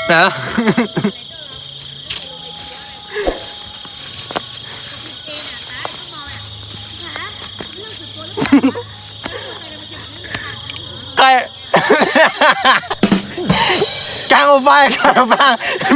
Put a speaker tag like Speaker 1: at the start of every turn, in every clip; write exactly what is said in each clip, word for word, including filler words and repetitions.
Speaker 1: นะไก่กางอบฟางกางอบฟาง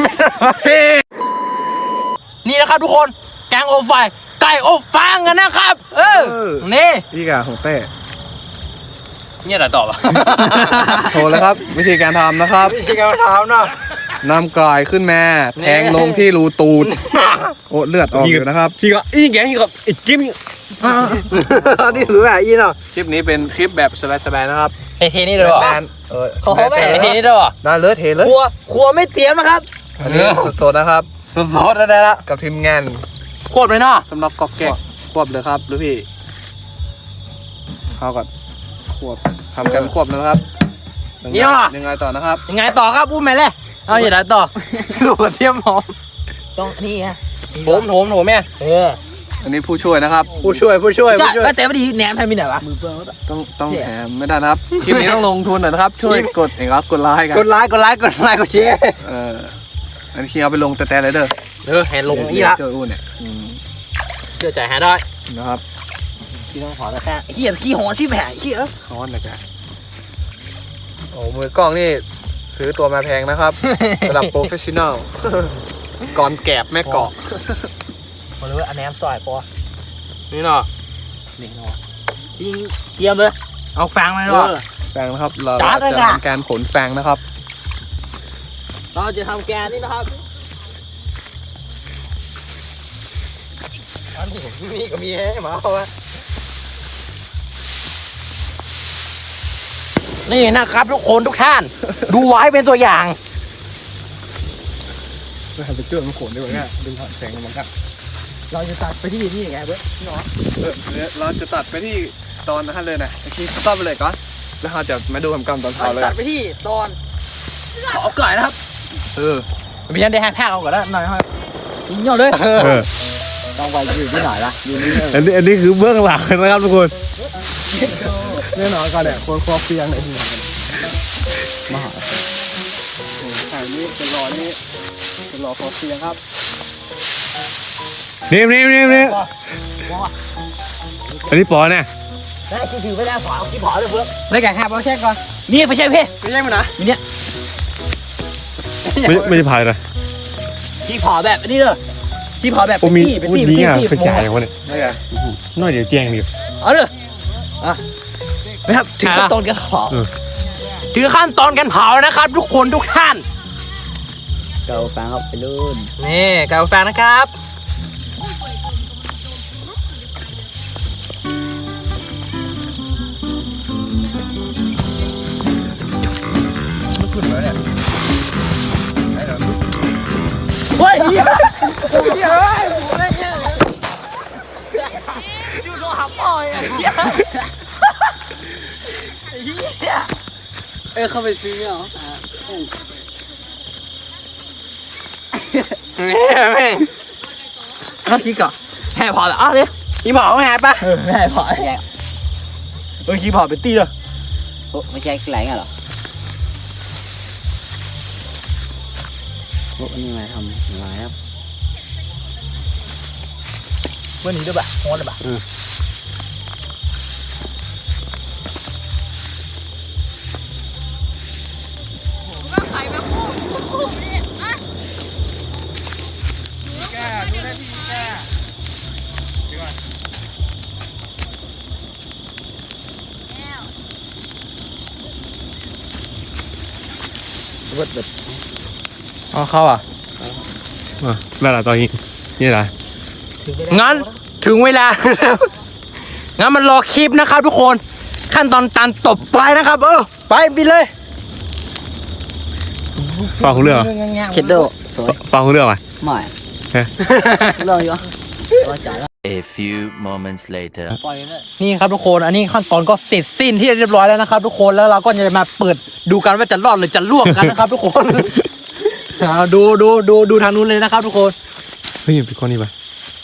Speaker 1: นี่นะครับทุกคนแกงอบฟางไก่อบฟางกันนะครับเออนี่
Speaker 2: พี่กาของเต้
Speaker 1: เนี่ยอะไรต่อปะ
Speaker 2: โทรแล้วครับวิธีการทำนะครับ
Speaker 1: วิธีการทำนะ
Speaker 2: นำกายขึ้นมาแทงลงที่รูตูดโอ้เลือดออกอยู่นะครับ
Speaker 1: พี่ก็อีกอย่างนี้ก็อีกกิ๊บนี่ถือแบบอีเนาะ
Speaker 2: คลิปนี้เป็นคลิปแบบสบายๆนะครับ
Speaker 1: เทนี่เลยเหรอ
Speaker 2: เออ
Speaker 1: เขาไม่เทนี่เลยเหรอ
Speaker 2: ได้เลยเทเลย
Speaker 1: ครัวครัวไม่เตรียมนะครับ
Speaker 2: อันนี้สดๆนะครับ
Speaker 1: สดๆแล้วได้ละ
Speaker 2: กับทีมงาน
Speaker 1: ควบเลยเนาะ
Speaker 2: สำหรับกอกแกะควบเลยครับหรือพี่เข้าก่อนควบทำกันควบนะครับ
Speaker 1: นี่เหรอ
Speaker 2: ยังไงต่อนะครับ
Speaker 1: ยังไงต่อครับอุ้มแม่เลยเอาอย่างไรต่อสูตรเทียมหอมต้องนี่ฮะโถมโถมโถมแม่เออ
Speaker 2: อันนี้ผู้ช่วยนะครับ
Speaker 1: ผู้ช่วยผู้ช่วยผู้ช่วยแต่ไม่ดีแหนมทำมีไหนวะ
Speaker 2: ต้องต้องแหนมไม่ได้นะครับคลิปนี้ต้องลงทุนหน่อยนะครับช่วยกดเองครับกดไลค์กัน
Speaker 1: กดไลค์กดไลค์กดไลค์กดแชร์
Speaker 2: เอออันนี้เอาไปลงแต่แต่เลยเด้อ
Speaker 1: เออแหนลงนี่ละ
Speaker 2: เจออุ้นเนี่ย
Speaker 1: เจอใจหาได้
Speaker 2: นะครับ
Speaker 1: ที่ต้องขอแต่แค่เฮียขี้หอนชิบแหงเฮีย
Speaker 2: ฮอนนะจ๊ะโอ้มือกล้องนี่ซื้อตัวมาแพงนะครับระดับโปรเฟชชั่นอลก่อนแกบแม่เกาะ
Speaker 1: มาเลยอันแหนมซอยปอ
Speaker 2: นี่เนาะ
Speaker 1: นี่เนาะจริงเตรียมเลยเอาแฟงมาเลย
Speaker 2: แฟงนะครับเราจะทำการขนแฟงนะครับ
Speaker 1: เราจะทำแกนนี่นะครับอันนี้นี่ก็มีให้มาเอาไว้นี่นะครับทุกคนทุกท่านดูไว้เป็นตัวอย่าง
Speaker 2: เราทำไปเจือมันขนดีกว่าเนี่ยดึงผ่านแสงมันกัน
Speaker 1: เราจะตัดไปที่นี่ไงเว้ยพี่น้อง
Speaker 2: เออเราจะตัดไปที่ตอนนั้นเลยนะคลิปตัดไปเลยก่อนแล้วเราจะมาดูคำกำตอนเช้าเลย
Speaker 1: ตัดไปที่ตอนขอก่อยนะครับ
Speaker 2: เออ
Speaker 1: ไม่ใช่ได้แห้งแพ้เอาก่อนแล้วหน่อยครับยิงเงาเลยต้องไปอยู่ที่ไหนล่ะอยู่นี่
Speaker 2: อันนี้อันนี้คือเบื้องหลังนะครับทุกคนแน่นอนก่อนเนี่ยคนคอเฟียงเลยที่ไหนมาหาถ่ายนี้เป็นรอนี่เป็นรอคอเฟียงครับนี่นี่นี่นี่อันนี้ปอเนี่ย
Speaker 1: ได้คือถือไม่ได้ผอเอาที่ผอเลยเพื่อนได้แก่แฮปเอาแช่ก่อนนี่ไปใช่เพ่ไปใช่มั้ยนะมีเนี่ย
Speaker 2: ไม่ไม่ได้พายนะ
Speaker 1: ที่ผอแบบนี้เลยที่ผอแบบเป็นที่เป็นที่
Speaker 2: เป็นที่เป็นจ่ายอย่างวะเนี่ยน้อยเดี๋ยวแจ้งดิ
Speaker 1: เอาเลยอ่ะไม่ครับถึงขั้นตอนการเผาถึงขั้นตอนการเผานะครับทุกคนทุกท่าน
Speaker 3: เกาแฟงครับไปลื่น
Speaker 1: นี่เกาแฟงนะครับเฮ้ยเฮ้ยเฮ้ยอยู่โดนหับปอยอ่ะ
Speaker 3: เออเข้าไปซื้อเนี่ยเหรอ
Speaker 1: เนี่ยแม่ข้าคิดก่อนแห่พอแล้วอ่ะเนี่ยอีหมอแห่ปะเออแห่พอเออขี้พอเป็นตีเลย
Speaker 3: โอ้ไม่ใช่แกล้งเหรอโอ้นี่มาทำอะไรครับ
Speaker 1: เมื่อนี้ด้วยปะโหดเลยปะ
Speaker 2: วัดแบบอ๋อเข้าอ่ะอ่ะแล้วล่ะตอนนี้นี่อะไร
Speaker 1: งั้นถึงเวลางั้นมันรอคลิปนะครับทุกคนขั้นตอนตันตบไปนะครับเออไปบินเลย
Speaker 2: ฟังเรื่อง
Speaker 3: เช็ดโดสวย
Speaker 2: ฟังเรื่องไหม
Speaker 3: ไม่เรื่องอยู่
Speaker 4: A few moments later
Speaker 1: นี่ครับทุกคนอันนี้ขั้นตอนก็เสร็จสิ้นที่เรียบร้อยแล้วนะครับทุกคนแล้วเราก็จะมาเปิดดูกันว่าจะรอดหรือจะล่วงกันนะครับทุกคนดูดูดูดูทางนู้นเลยนะครับทุกคน
Speaker 2: เฮ้ยเป็นคนนี้ปะ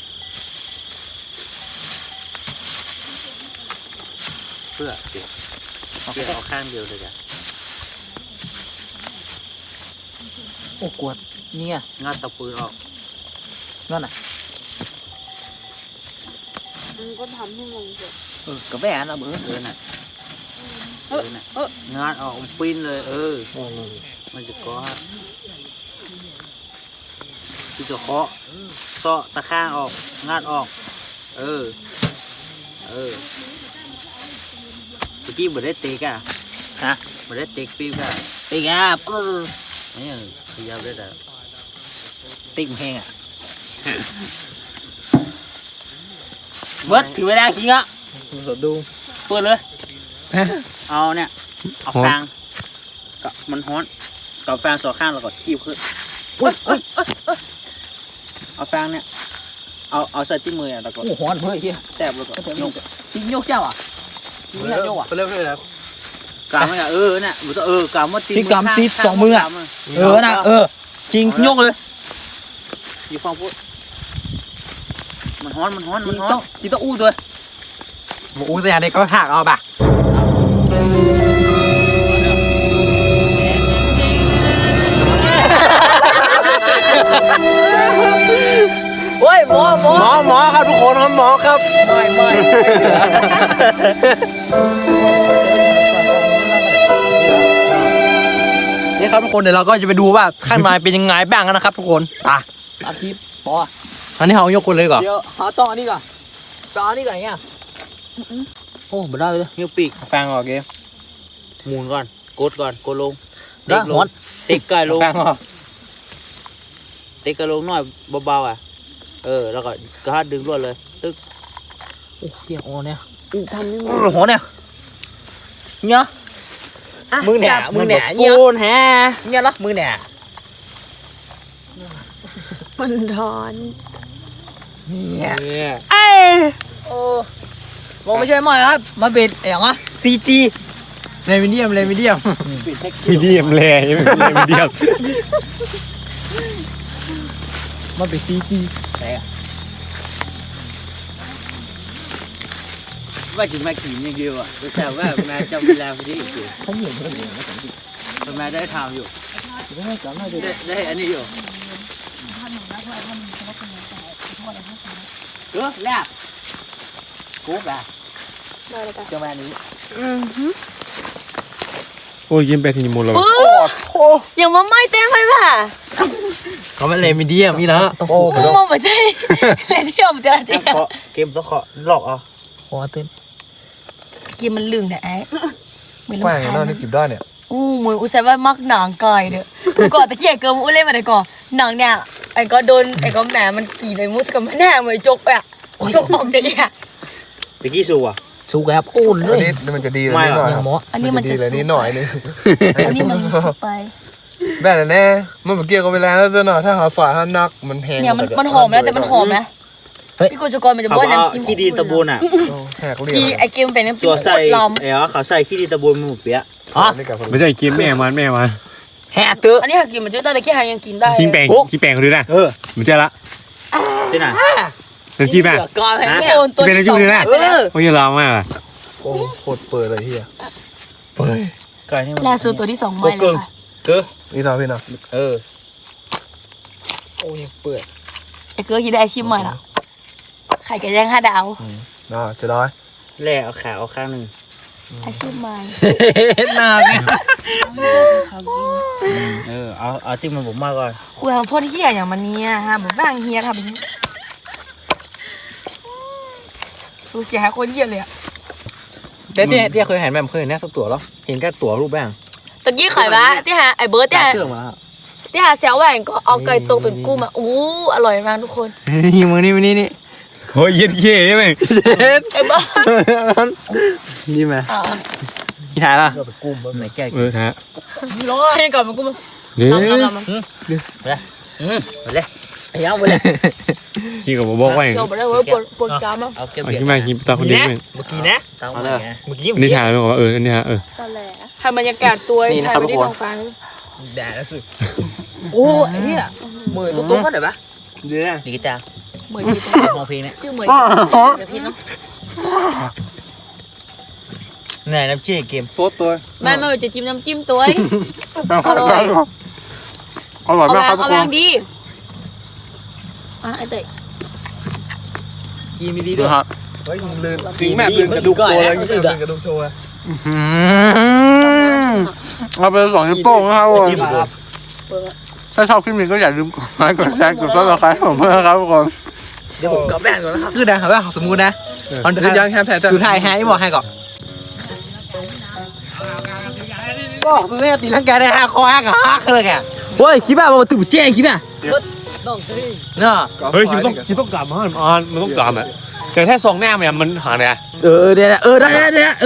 Speaker 3: เพื่อเพื่อเอาข้างเดียวเลยจ้ะ
Speaker 1: โอ้กวดเนี่ย
Speaker 3: งัดตะปืนออก
Speaker 1: นั่นน่ะ
Speaker 5: มันก็ทำให้มันเกิด
Speaker 3: เออกระแบนนะเบอร์เออน่ะเออน่ะงานออกมันปิ้นเลยเออมันจะก้อที่จะเคาะเซาะตะข้างออกงานออกเออเออเมื่อกี้บ่ได้เตะกะฮะบ่ได้เตะปีกะเตะกะเออนี่ขยับได้แต่ติ๊กแห้งอ่ะเบิดถึงเวลาคิงอ่ะ
Speaker 1: สดดู
Speaker 3: เปิดเลย เอาเนี่ยเอาฟางกับมันฮ้อนกับฟางสองข้างแล้วก็กิ้วขึ้นเอาฟางเนี่ยเอาเอาใส่ที่มืออ่ะแล้วก็
Speaker 1: โอ้หอนเพื่อเฮีย
Speaker 3: แตบแล้วก็ยก
Speaker 1: กินโยกเจ้าอ่ะกินไม่โยกอ่ะ
Speaker 2: ไปเรื่อยๆแล้ว
Speaker 3: กามมันอ่ะเออเนี่ยมันต้องเออกามมันตี
Speaker 1: ที่กำตีสองมืออ่ะเออน่ะเออกินโยกเลย
Speaker 3: อยู่ฟังพูดมันฮ้อนมันฮ้อน
Speaker 1: กิ
Speaker 3: มัน
Speaker 1: น
Speaker 3: ฮ้อ
Speaker 1: ต้อน งกินต้องอู้ด้วย
Speaker 2: หมูแต่อย่างเด็กก็หักเอาป่ะ
Speaker 1: โอ้ยหมอหมอ
Speaker 2: หมอหมอครับทุกคนครับหมอครับ
Speaker 1: ไม่ไม่นี่ครับทุกคนเดี๋ยวเราก็จะไปดูว่าข้างในเป็นยังไงบ้างนะครับทุกคนอ่ะอาทิตย์ปออันนี้เรายกคนเลยก่อนเดี๋ยวหาต่ออันนี้ก่อนต่ออันนี้ก่อนเงี้ยโอ้ไม่ได้เลย
Speaker 3: นิ้วปีก
Speaker 2: ฟางออกเกม
Speaker 3: หมุนก่อนกดก่อนกดลง
Speaker 1: ได้
Speaker 3: ล
Speaker 1: หม
Speaker 3: ง
Speaker 1: ด
Speaker 3: ติ๊กไกลลง
Speaker 2: ฟางออก
Speaker 3: ติ๊กไกลลงหน่อยเบาๆอ่ะเออแล้วก็กระหัดดึงรวดเลยตึ๊ก
Speaker 1: โอ้เฮียโอ้เนี่ย
Speaker 5: ทำให้มัน
Speaker 1: โอ้โหเนี่ยเนี่ยมือแหน่มือแหน่เนี่ย
Speaker 3: โอนแฮ
Speaker 1: เนี่ยละมือแหน่
Speaker 5: มันร้อน
Speaker 1: เนี่ย
Speaker 2: เนี่ย
Speaker 1: เอ้ยโอ้บอกไม่ใช่หมอยครับมาเป็นอย่างวะ ซี จี
Speaker 2: เลมิเดียมเลมิเดียม
Speaker 6: มีเดียมแลใช่ไหมมีเดียม
Speaker 1: มาเป็น ซี จี แต่อะ
Speaker 3: ว่าถึงมาขี่อย่างเดียวอ่ะแต่ว่าแม่จำเวลาพอดีอีกอยู่
Speaker 1: เขาเหมือนเขาเหมือน
Speaker 3: แม่ได้ทำอยู่
Speaker 1: ไม่จำได้เลย
Speaker 3: ได้ได้อันนี้อยู่เออแลบกุ๊บอ่ะ
Speaker 5: ได้เลยจ้ะ
Speaker 1: เจ้าแม่นี้
Speaker 5: อือหือ
Speaker 6: โอ้ยยิ้มไปทีนี้หมดเลย
Speaker 5: ปื้ออย่างมาไม่เต็มไปป่ะ
Speaker 2: เขาเป็นเลมิเดียมนี่นะโอ้
Speaker 5: กูมองไม่ใช่เลยที่ผมจะเจ๊
Speaker 3: เคาะเกมต้องเคาะหลอกอ่ะ
Speaker 1: โอ้ตื่น
Speaker 5: กินมันลึงเนี่ยไอ้เหมือน
Speaker 2: แป้ง
Speaker 5: ลำคาญ
Speaker 2: นั่นนี่กิบได้เนี่ย
Speaker 5: อู้มืออุตส่าห์ว่ามักหนังกายเด้อก่อนตะเกียกเกินอุ้เล่นมาแต่ก่อนหนังเนี่ยไอ้ก็โดนไอ้ก็แหมมันกี่ไปมุดกับมันแน่เหมือนจกไปอ่ะจกออกจากเนี่ย
Speaker 3: ตะกี้สูอ่ะ
Speaker 1: ชูแกบอุ่นเล
Speaker 2: อัน
Speaker 1: ย
Speaker 2: นี้มันจะดีเลย
Speaker 3: ไม่
Speaker 2: นิด
Speaker 3: หร
Speaker 2: ห
Speaker 3: อก
Speaker 2: น่อย
Speaker 1: อย่างหมอ
Speaker 5: อันนี้มัน
Speaker 2: ดี
Speaker 5: จะ
Speaker 2: เลยนิดหน่อยนึง
Speaker 5: อันนี้มันสุกไป
Speaker 2: แบบนั้นแน่มันเมื่อกี้ก็เวลาแล้วตัวหน่อยถ้าเขาสอยถ้านักมันแห้ง
Speaker 5: เนี่ยมันมันหอมนะแต่มันหอมนะพี่กุจกรมันจะ
Speaker 3: เขา
Speaker 5: บ้วน
Speaker 3: เอา
Speaker 5: น้ำจิ้ม
Speaker 3: ขี้ดินตะบูนอ่ะ
Speaker 2: แหกเรีย
Speaker 5: กี
Speaker 2: ก
Speaker 5: ไอเกมเป็นน้ำจิ้
Speaker 3: ตัว
Speaker 5: ม
Speaker 3: ใส่
Speaker 5: ล
Speaker 3: เอ๋อเขาใส่ขี้ดินตะบูนหมูเปี๊ยะ
Speaker 1: ฮะ
Speaker 2: นี่กับ
Speaker 6: ไม่ใช่กินแม่มันแม่มัน
Speaker 1: แห่เตอะ
Speaker 5: อันนี้หากินมันจะได้แต่แค่หายังกินได้
Speaker 6: กินแปลงกินแปลงเขาดูนะ
Speaker 3: เออ
Speaker 6: มันใช่ละ
Speaker 3: ที่ไหน
Speaker 6: น้ำจิ้มอ่ะ
Speaker 1: ก่อนแห่
Speaker 5: โด
Speaker 1: เนี่ย
Speaker 5: นตัว
Speaker 6: เป็นน้ำจิ้มดูนะ
Speaker 1: เออ
Speaker 6: โอ้ยร้องมากอ่ะ
Speaker 2: โอ้โคตรเปิดเลยเฮีย
Speaker 3: ไก่นี่มัน
Speaker 5: ล่าสุดตัวที่สองมาเลยค่ะ
Speaker 3: เออ
Speaker 2: นี่หน่อยพี่หน่อย
Speaker 3: เออ
Speaker 1: โอ้ยเปิด
Speaker 5: ไอเกลือคิดได้อาชีพใหม่ละไข่ไก่ย่างห้าดาว
Speaker 2: น่าจะได้
Speaker 3: แล่เอาขาเอาข้างหนึ่ง
Speaker 5: อาชีพใหม่
Speaker 1: เห็นหน้าไง
Speaker 3: เออเอาเอาที่มันผมมาก่อน
Speaker 5: คุยกับพ่อที่เฮียอย่างมันเนี่ยฮะแบบบ้างเฮียทำแบบนี้สูเสียหายคนเฮียเลยอะ
Speaker 1: เดี๋ยวเดี๋ยวเดี๋ยวเคยเห็นแบบเคยเห็นแน่สักตัวแล้วเห็นแค่ตัวรูปแบง
Speaker 5: ตะกี้ไข่บ้าที่หาไอเบิร์ดที่หา
Speaker 1: เครื่องมาแล้ว
Speaker 5: ที่หาแซวแหวนก็เอาไก่ตกเป็นกุ้งมาอู้อร่อยมากทุกคน
Speaker 1: นี่มือนี่มือนี่นี่
Speaker 6: โอ้ยเย็ดเย่ใช่ไหม
Speaker 5: ไอเบิร์ด
Speaker 1: นี่ไหม
Speaker 5: อ่า
Speaker 1: นี่ถ่ายละ
Speaker 3: ไหนแก้
Speaker 6: เออฮะ
Speaker 5: ร้อนให้ก่อนเป็นกุ้ง
Speaker 6: เดี๋ยว
Speaker 5: ลำลำลำ
Speaker 3: อืมไปเลย
Speaker 1: ไอ้ยังไปเลย
Speaker 6: กินกับบอกว่า
Speaker 5: เกี่ยวไปได้เว้ยปวดปวดกรามอ่ะ
Speaker 3: เอาเก็บ
Speaker 6: เอา
Speaker 3: เบีย
Speaker 6: ขึ้นมากินตาคนเดียว
Speaker 1: เมื่อกี้นะ
Speaker 3: ตั้งไว้ไง
Speaker 1: เมื่อกี้
Speaker 6: อันนี้ถ่ายไปบอกว่าเอออันนี้ฮะเออ
Speaker 5: ตอนแหลให้บรรยากาศตัวถ่ายไปที่ท้องฟ้า
Speaker 1: แดดแล้วสุดโอ้ไอ้เนี่ยมือตุ้งๆก็ได้ปะ
Speaker 3: เดือดนี่กีตาร์
Speaker 5: เหมือนที่ตรง
Speaker 3: มองเพลงเนี่ย
Speaker 5: ชื่อเหมือนเดี๋ยวพี่เนาะ
Speaker 3: ไหนน้ำจี้เกม
Speaker 2: โซดตัว
Speaker 5: แม่ไม่จะจิ้มน้ำจิ้มตัวอร่อย
Speaker 2: อร่อย
Speaker 5: เอา
Speaker 2: มาก
Speaker 5: แบ
Speaker 2: ครับ
Speaker 5: บ
Speaker 2: ทุ
Speaker 5: เอา
Speaker 2: ก
Speaker 5: แบ
Speaker 2: ค
Speaker 5: บ
Speaker 2: น
Speaker 5: ดีอ่ะไอ้เตย
Speaker 1: กินไม่ดี
Speaker 2: ดู
Speaker 1: ด้วย
Speaker 2: ครับถึงแม่เป็นกระดูกตัวเลย
Speaker 1: รู้สึกอะ
Speaker 2: กระดูกโชว์เอาไปสองนิ้วโป้งนะครับผมถ้าชอบคลิปนี้ก็อย่าลืมกดไลค์กดแชร์กดซับสไครต์ผมเพื่อนครับทุกคน
Speaker 1: เดี๋ยวผมกลับบ้านก่อนนะครับคือนะครับว่าสมมุตินะตอน
Speaker 2: หรือยังแค่แพ้จะ
Speaker 1: คือไทยแฮร์บอกให้ก่อนก็คือแม่ตีลังกาได้ห้าคอห้ากับห้าเลยแกโอ้ยคิดว่ามันตื่นเจ๊คิดว่าเนาะ
Speaker 6: เฮ้ยคิดต้องคิดต้องกลับมาอ่านมันต้องกลับอ่ะแต่แค่ซองแน่มันมันหาเนี่ย
Speaker 1: เออเดี๋ยวเออได้ได้ได้